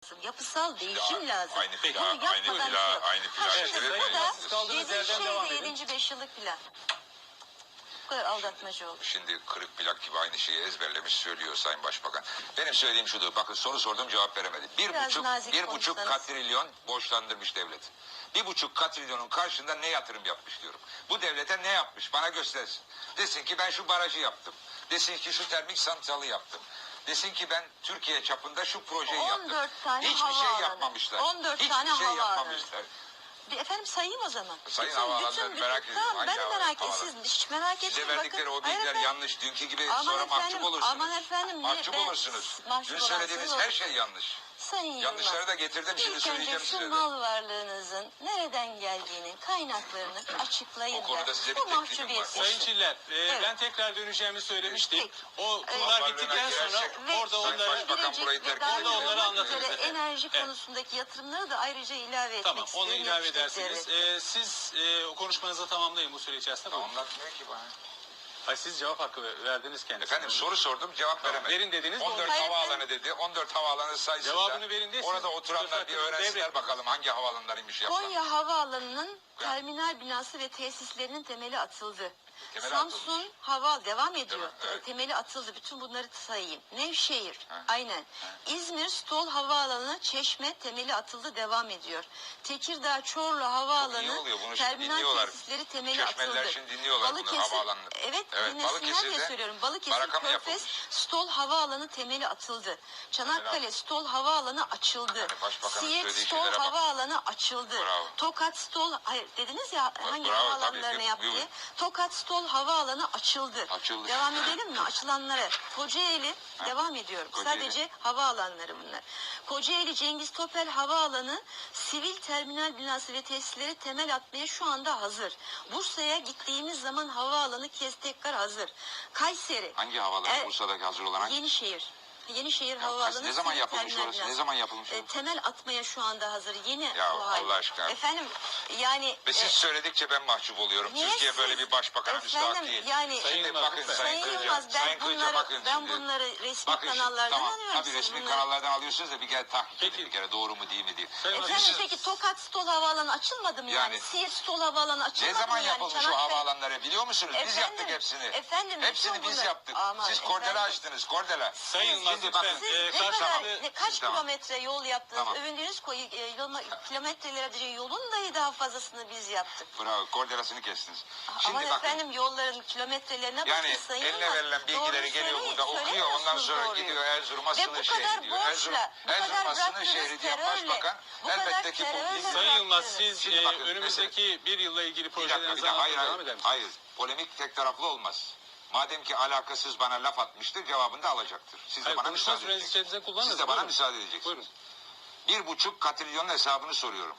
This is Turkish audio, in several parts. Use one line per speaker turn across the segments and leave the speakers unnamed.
Yapısal değişim lazım.
Aynı plan,
Bunu
aynı
yapmadan
plan,
yok.
aynı plan.
Şimdi bu da
Kaldığınız
dediği
yerden
şey
devam
de
edin.
7. 5 yıllık plan. Bu kadar aldatmacı olur.
Şimdi kırık plak gibi aynı şeyi ezberlemiş söylüyor Sayın Başbakan. Benim söylediğim şudur. Bakın soru sordum cevap veremedi.
Biraz nazik
Bir buçuk
konuşsanız.
katrilyon borçlandırmış devlet. 1,5 katrilyonun karşında ne yatırım yapmış diyorum. Bu devlete ne yapmış bana göstersin. Desin ki ben şu barajı yaptım. Desin ki şu termik santralı yaptım. Desin ki ben Türkiye çapında şu projeyi
14
yaptım.
tane
Hiçbir
havaalanı.
şey yapmamışlar.
14
Hiçbir
tane
şey
havaalanı.
yapmamışlar.
Efendim sayayım o zaman.
Sayın havaalanları merak ediyorum.
Tamam, ben de
Hangi
merak ettim.
havaalanı?
Siz hiç merak etmeyin.
Size verdikleri o bilgiler
efendim.
yanlış. Dünkü gibi
Aman
sonra
efendim,
mahcup olursunuz.
aman efendim,
Mahcup
ben-
olursunuz.
mahcup
Dün söylediğiniz
olansınız
her şey yanlış.
Sayın
Yanlışları
Yılmaz,
da getirdim şimdi
İlk
söyleyeceğim
önce şu
size de.
mal varlığınızın nereden geldiğinin kaynaklarını açıklayın.
O konuda
da.
size bir
Bu
teklifim
mahcubiyetsiz.
var.
Sayın Çiller,
Evet.
ben tekrar döneceğimi söylemiştim.
Peki.
O
Evet.
konular bittikten sonra
girersek-
orada
Sayın
onları...
Başbakan burayı
Gelecek ve
terk
dahil
ediyor.
Orada onları
olmak
anlatırız
üzere
efendim.
enerji
Evet.
konusundaki yatırımları da ayrıca ilave etmek
Tamam,
istiyorum.
onu ilave
Yapıştırık
edersiniz.
devlet.
Siz o konuşmanızı tamamlayın bu süre içerisinde. Buyurun.
Anlatmıyor ki bana.
Hayır, siz cevap hakkı verdiniz kendisine.
Efendim soru sordum cevap
Tamam,
veremedi.
verin dediniz,
14
Hayır,
havaalanı dedi. 14 havaalanı sayısında.
Cevabını verin diye
Orada
siz
oturanlar
söz
bir
hakkınızı
öğrensinler
devredin.
bakalım hangi havaalanlarıymış yapılan.
Konya Havaalanı'nın terminal binası ve tesislerinin temeli atıldı.
Temeli
Samsun
atılmış.
Hava devam ediyor.
Evet.
Temeli atıldı. Bütün bunları sayayım. Nevşehir.
Ha.
Aynen. İzmir Stol Havaalanı Çeşme temeli atıldı devam ediyor. Tekirdağ Çorlu
Çok iyi
Havaalanı
oluyor, bunu şimdi
terminal
dinliyorlar.
tesisleri temeli
Çeşmeliler
atıldı.
şimdi dinliyorlar bunu, havaalanını.
Evet,
Evet,
dinlesinler diye
Balıkesir'de
söylüyorum. Balıkesir
baraka mı
Körfez
yapılmış?
Stol Havaalanı temeli atıldı. Çanakkale Stol Havaalanı açıldı.
Yani başbakanın
Siirt
söylediği
Stol
şeylere bak.
Havaalanı açıldı.
Bravo.
Tokat Stol, hayır dediniz ya hangi
bravo,
havaalanlarını
tabii.
yaptı diye.
Buyurun.
Tokat Stol Havaalanı açıldı.
Açıldı.
Devam edelim mi? Açılanlara. Kocaeli devam ediyorum.
Kocaeli.
Sadece havaalanları bunlar. Kocaeli Cengiz Topel Havaalanı sivil terminal binası ve tesisleri temel atmaya şu anda hazır. Bursa'ya gittiğimiz zaman havaalanı tekrar hazır. Kayseri.
Hangi havaalanı Bursa'daki hazır olan hangi?
Yenişehir
Ya,
Havaalanı.
ne zaman
sivil
yapılmış
terminal
orası?
binası.
Ne zaman yapılmış o?
Temel atmaya şu anda hazır. Yeni
Ya,
bu hal.
Allah aşkına.
Efendim yani.
Ve siz söyledikçe ben mahcup oluyorum.
Niye
Türkiye
siz-
böyle bir başbakana müstahak değil.
Yani
Sayın
Şimdi
Yılmaz,
bakın
lütfen.
Sayın
Sayın
Kılıca,
Yılmaz,
Sayın Kılıca bakın
ben
şimdi.
bunları resmi
Bakın şimdi,
kanallardan
tamam.
alıyorum.
Tabii
Siz
resmi
bunları-
kanallardan alıyorsunuz da bir kere tahkik edin
Peki.
bir kere doğru mu değil mi diye.
Sayın
Efendim
Siz-
peki Tokat Stol Havaalanı açılmadı mı yani?
Yani-
Siirt Stol Havaalanı açılmadı
Ne zaman
mı yani?
yapılmış o
Çanakkale-
havaalanları biliyor musunuz? Biz
Efendim,
yaptık hepsini.
efendim,
Hepsini
bütün
biz
bunlar-
yaptık.
Aman
Siz kordela
efendim.
açtınız kordela.
Sayın Yılmaz,
Şimdi
lütfen.
bakın.
Siz ne
karşılıklı-
kaç
Tamam.
kilometre yol yaptınız?
Tamam.
Övündüğünüz kilometrelerce yolun dahi daha fazlasını biz yaptık.
Bravo kordelasını kestiniz.
Ama
Şimdi bakın.
efendim yolların kilometrelerine
Yani
bakın Sayın
eline
Yılmaz.
verilen bilgileri
Doğruyu
geliyor
söyleyin,
burada okuyor ondan
söylemiyorsunuz
sonra
doğruyu.
gidiyor Erzurum'a
Ve bu
sınır
kadar
şehri diyor.
borçla, bu kadar
Erzurum'a sınır
bıraktığınız
şehri diyen
terörle,
başbakan
bu kadar
elbette ki
terörle
bu
Sayın Yılmaz,
bıraktınız.
siz
Şimdi bakın,
önümüzdeki bir yılla ilgili
Bir dakika,
projelerinizi
hayır,
anlatmaya devam eder misiniz?
hayır. Polemik tek taraflı olmaz. Madem ki alakasız bana laf atmıştır, cevabını da alacaktır. Siz de
Hayır,
bana
konuşma
müsaade
sürenizi
edeceksiniz.
içerisinde kullanın.
Siz de bana
Buyurun.
müsaade edeceksiniz.
Buyurun.
1,5 katrilyonun hesabını soruyorum.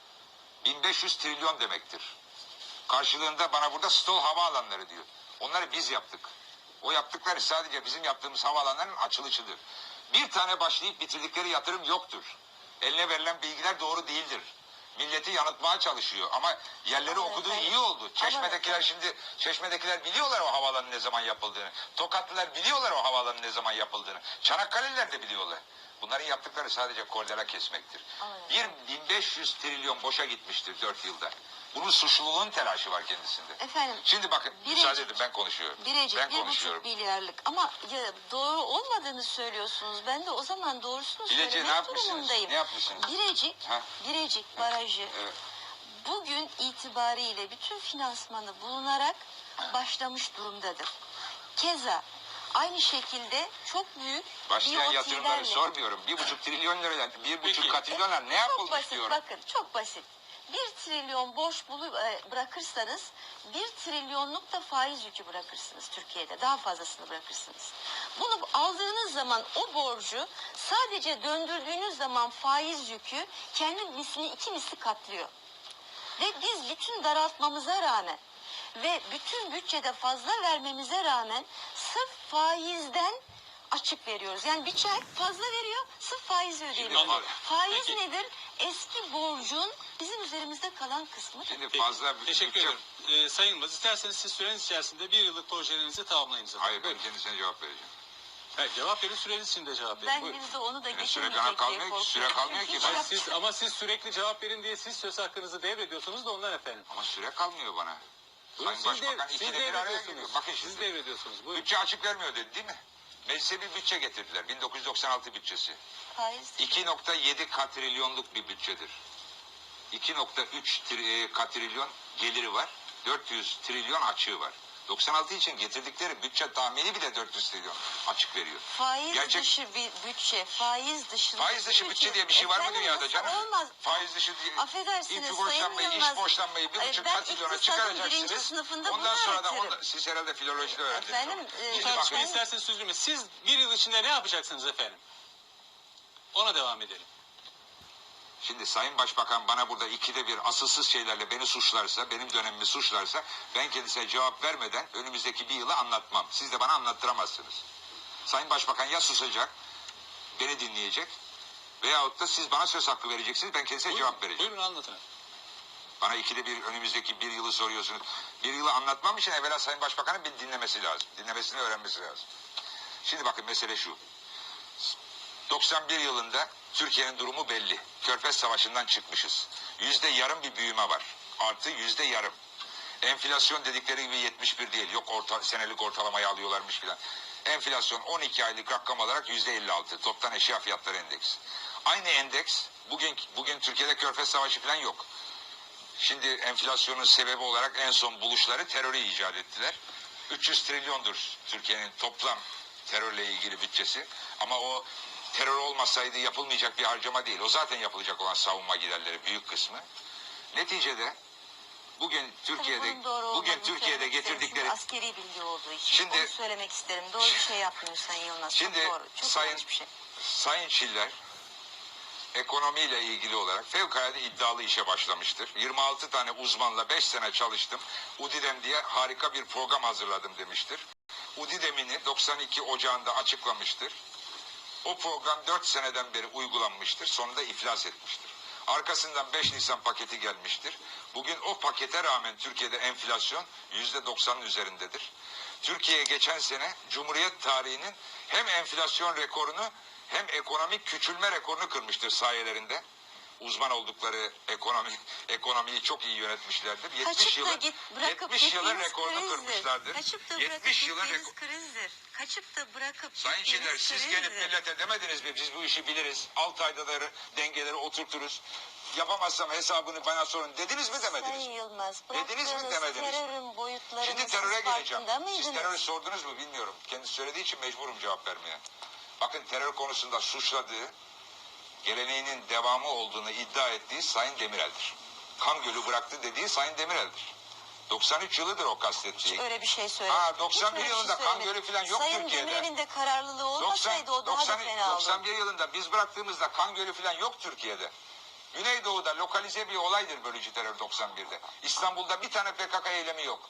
1500 trilyon demektir. Karşılığında bana burada stol havaalanları diyor. Onları biz yaptık. O yaptıkları sadece bizim yaptığımız havaalanların açılışıdır. Bir tane başlayıp bitirdikleri yatırım yoktur. Eline verilen bilgiler doğru değildir. Milleti yanıltmaya çalışıyor ama yerleri
Ama
okuduğu
efendim,
iyi oldu. Çeşmedekiler
efendim.
şimdi Çeşmedekiler biliyorlar o havaalanının ne zaman yapıldığını. Tokatlılar biliyorlar o havaalanının ne zaman yapıldığını. Çanakkale'liler de biliyorlar. Bunların yaptıkları sadece kordela kesmektir.
Ama
1500 trilyon boşa gitmiştir 4 yılda. Bunun suçluluğun telaşı var kendisinde.
Efendim,
Şimdi bakın müsaade edin ben konuşuyorum.
Birecik
Ben
1,5
konuşuyorum.
milyarlık ama ya, doğru olmadığını söylüyorsunuz. Ben de o zaman doğrusunu
Bilecik'e ne
söylemek
yapmışsınız?
durumundayım.
Ne yapmışsınız?
Birecik,
Ha?
Birecik Barajı
Evet.
bugün itibariyle bütün finansmanı bulunarak başlamış durumdadır. Keza aynı şekilde çok büyük
Başlayan
BOT'lerle
yatırımları sormuyorum. 1,5 trilyon liradan 1,5
Peki.
katrilyonlar ne
çok
yapılmış
basit,
diyorum.
bakın çok basit. 1 trilyon borç bırakırsanız 1 trilyonluk da faiz yükü bırakırsınız Türkiye'de. Daha fazlasını bırakırsınız. Bunu aldığınız zaman o borcu sadece döndürdüğünüz zaman faiz yükü kendi mislini 2 misli katlıyor. Ve biz bütün daraltmamıza rağmen ve bütün bütçede fazla vermemize rağmen sırf faizden açık veriyoruz. Yani bir çay fazla veriyor, sırf faizi ödüyoruz.
anladım.
Faiz
Peki.
nedir? Eski borcun bizim üzerimizde kalan kısmı.
Şimdi
Peki,
fazla
teşekkür
bütçe-
ederim. Sayın Yılmaz, isterseniz siz süreniz içerisinde bir yıllık projelerinizi tamamlayın zaten.
Hayır ben
Buyurun.
kendisine cevap vereceğim.
Evet, cevap verin, süreniz içinde cevap verin.
Ben
Buyurun.
bir de onu da
süre
getirmeyecek
bana
diye
kalmıyor ki,
korkuyorum.
süre kalmıyor ki.
Hiç
Bana.
Ama siz sürekli cevap verin diye siz söz hakkınızı devrediyorsunuz da ondan efendim.
Ama süre kalmıyor bana.
Buyurun,
Sayın Başbakan
siz
ikide bir araya geliyor.
devrediyorsunuz.
Bakın
Siz
şimdi.
devrediyorsunuz. Buyurun.
Bütçe açık vermiyor dedi değil mi? Meclise bir bütçe getirdiler. 1996 bütçesi.
Faiz
2.7 katrilyonluk bir bütçedir. 2.3 katrilyon geliri var. 400 trilyon açığı var. 96 için getirdikleri bütçe tahmini bile 400 trilyon açık veriyor.
faiz
Gerçek-
dışı bir bütçe, faiz dışı
bütçe diye bir şey var mı
Efendim,
dünyada
nasıl
canım?
olmaz?
Faiz dışı diye
Affedersiniz
ilk
Sayın
borçlanmayı,
Yılmaz.
iş borçlanmayı 1,5
Ben
katrilyona
iktisadın birinci
çıkaracaksınız.
sınıfında
Ondan
bunu
sonra da
öğretirim.
siz herhalde filolojide öğrendiniz.
Efendim,
onu.
e,
Şimdi
ben-
bakın.
İsterseniz süzdürme. Siz bir yıl içinde ne yapacaksınız efendim? Ona devam edelim.
Şimdi Sayın Başbakan bana burada ikide bir asılsız şeylerle beni suçlarsa, benim dönemimi suçlarsa ben kendisine cevap vermeden önümüzdeki bir yılı anlatmam. Siz de bana anlattıramazsınız. Sayın Başbakan ya susacak, beni dinleyecek veyahut da siz bana söz hakkı vereceksiniz, ben kendisine cevap vereceğim.
Buyurun anlatın.
Bana ikide bir önümüzdeki bir yılı soruyorsunuz. Bir yılı anlatmam için evvela Sayın Başbakan'ın beni dinlemesi lazım. Dinlemesini öğrenmesi lazım. Şimdi bakın mesele şu. 91 yılında Türkiye'nin durumu belli. Körfez Savaşı'ndan çıkmışız. %0,5 bir büyüme var. Artı %0,5. Enflasyon dedikleri gibi 71 değil. Yok senelik ortalamayı alıyorlarmış filan. Enflasyon 12 aylık rakam olarak %56. Toptan eşya fiyatları endeksi. Aynı endeks bugün Türkiye'de Körfez Savaşı filan yok. Şimdi enflasyonun sebebi olarak en son buluşları terörü icat ettiler. 300 trilyondur Türkiye'nin toplam terörle ilgili bütçesi. Ama o terör olmasaydı yapılmayacak bir harcama değil. O zaten yapılacak olan savunma giderleri büyük kısmı. Neticede bugün Türkiye'de getirdikleri
askeri bilgi olduğu için
Şimdi-
onu söylemek isterim. Doğru bir şey yapmıyor Sayın Yılmaz.
Şimdi
çok doğru. Çok yanlış bir şey.
Sayın Çiller ekonomiyle ilgili olarak fevkalade iddialı işe başlamıştır. 26 tane uzmanla 5 sene çalıştım. UDİDEM diye harika bir program hazırladım demiştir. UDİDEM'ini 92 Ocağı'nda açıklamıştır. O program 4 seneden beri uygulanmıştır. Sonunda iflas etmiştir. Arkasından 5 Nisan paketi gelmiştir. Bugün o pakete rağmen Türkiye'de enflasyon %90'ın üzerindedir. Türkiye geçen sene Cumhuriyet tarihinin hem enflasyon rekorunu hem ekonomik küçülme rekorunu kırmıştır sayelerinde. Uzman oldukları ekonomiyi çok iyi yönetmişlerdir. 70 yılın rekorunu kırmışlardır.
Kaçıp da
70 yılın
gittiğiniz krizdir. Kaçıp da bırakıp
Sayın
gittiğiniz
Çiller siz
krizdir.
gelip millete demediniz mi? Biz bu işi biliriz. 6 ayda da dengeleri oturturuz. Yapamazsam hesabını bana sorun. Dediniz mi demediniz?
Sayın Yılmaz,
Dediniz mi,
bıraktığınız
demediniz mi?
terörün boyutlarını
Şimdi
siz
teröre geleceğim.
farkında
Siz
mıydınız?
terörü sordunuz mu bilmiyorum. Kendisi söylediği için mecburum cevap vermeye. Bakın terör konusunda suçladığı, geleneğinin devamı olduğunu iddia ettiği Sayın Demirel'dir. Kan Gölü bıraktı dediği Sayın Demirel'dir. 93 yılıdır o kastettiği.
Öyle bir şey söylemedim.
91
Hiç öyle bir
yılında
şey
kan
söylemedim.
gölü falan yok
Sayın
Türkiye'de.
Demirel'in de kararlılığı olmasaydı o daha da fena olurdu.
91 yılında biz bıraktığımızda kan gölü falan yok Türkiye'de. Güneydoğu'da lokalize bir olaydır bölücü terör 91'de. İstanbul'da bir tane PKK eylemi yok.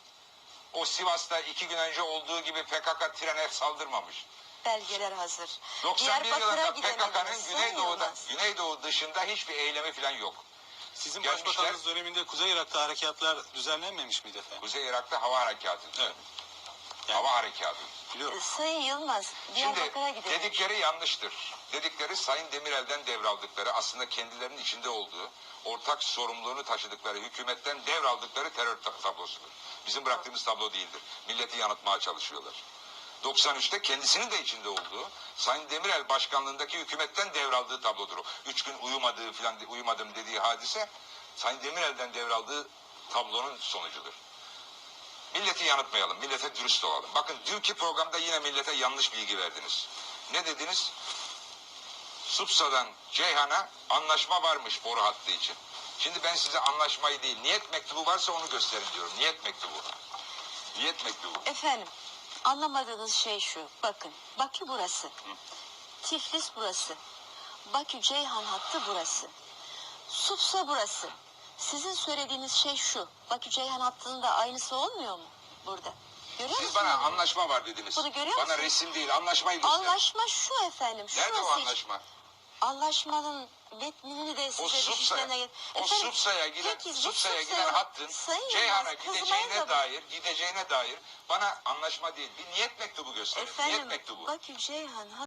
O Sivas'ta 2 gün önce olduğu gibi PKK trene saldırmamış.
Belgeler hazır.
91
Diyarbakır'a
yılında
gidemediniz,
PKK'nın
Sayın Yılmaz.
Güneydoğu dışında hiçbir eylemi falan yok.
Sizin
Gelmişler.
başbakanlığınız döneminde Kuzey Irak'ta harekatlar düzenlenmemiş miydi efendim?
Kuzey Irak'ta hava harekatı.
Evet. Yani
Hava harekatı.
biliyorum.
Sayın Yılmaz,
Şimdi
Diyarbakır'a gidelim.
dedikleri yanlıştır. Dedikleri Sayın Demirel'den devraldıkları, aslında kendilerinin içinde olduğu, ortak sorumluluğunu taşıdıkları, hükümetten devraldıkları terör tablosudur. Bizim bıraktığımız tablo değildir. Milleti yanıltmaya çalışıyorlar. 93'te kendisinin de içinde olduğu, Sayın Demirel başkanlığındaki hükümetten devraldığı tablodur o. 3 gün uyumadım dediği hadise, Sayın Demirel'den devraldığı tablonun sonucudur. Milleti yanıltmayalım, millete dürüst olalım. Bakın dünkü programda yine millete yanlış bilgi verdiniz. Ne dediniz? Supsa'dan Ceyhan'a anlaşma varmış boru hattı için. Şimdi ben size anlaşmayı değil, niyet mektubu varsa onu gösterin diyorum. Niyet mektubu. Niyet mektubu.
Efendim, anlamadığınız şey şu. Bakın, Bakü burası. Tiflis burası. Bakü-Ceyhan hattı burası. Supsa burası. Sizin söylediğiniz şey şu. Bakü-Ceyhan hattının da aynısı olmuyor mu burada? Görüyor
Siz
musunuz?
bana anlaşma var dediniz.
Bunu görüyor
Bana
musunuz?
resim değil, anlaşmayı gösterin.
Anlaşma şu efendim.
Nerede o
şurası hiç-
anlaşma?
anlaşmanın metnini de size düşüşlerine...
Sutsa'ya giden hattın Ceyhan'a gideceğine dair bana anlaşma değil. Bir niyet mektubu gösterin. Niyet
Efendim
mektubu.
bakın Ceyhan